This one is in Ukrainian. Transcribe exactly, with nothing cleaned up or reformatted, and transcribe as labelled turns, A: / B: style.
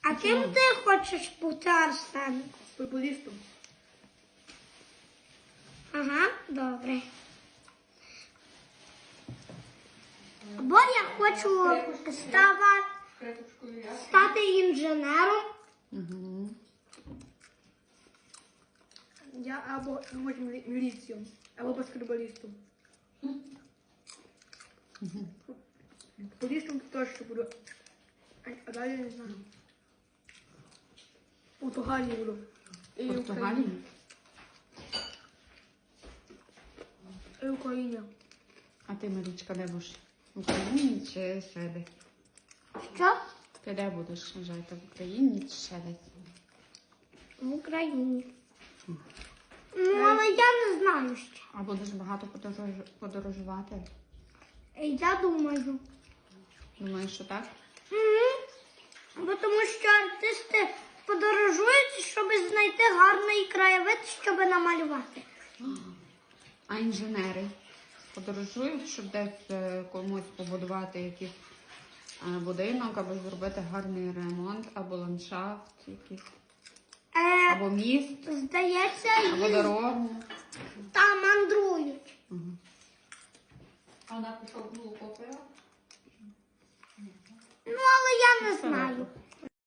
A: А ким ти хочеш бути, Арсен?
B: Футболістом.
A: Ага, добре. Бо я хочу става- стати інженером.
C: Угу.
B: Я або може мілі- міліцією, або баскетболістом. Футболістом точно буду. А, а далі не знаю. У Португалії буду. І в
C: Португалії?
B: Україні. І в Україні.
C: А ти, Марічка, де будеш? В Україні чи ще де?
A: Що?
C: Ти де будеш жити? В Україні чи ще десь?
A: В Україні. Ну, але я не знаю ще.
C: А будеш багато подорож- подорожувати?
A: Я думаю.
C: Думаєш, що так?
A: Угу. Бо тому що артисти подорожують, щоб знайти гарний краєвид, щоб намалювати.
C: А інженери подорожують, щоб десь е, комусь побудувати якийсь е, будинок, або зробити гарний ремонт, або ландшафт якийсь,
A: Е,
C: або міст,
A: здається,
C: або
A: їх
C: дорогу.
A: там мандрують.
C: Мгм.
D: А вона пішов було купила?
A: Ну, але я не знаю.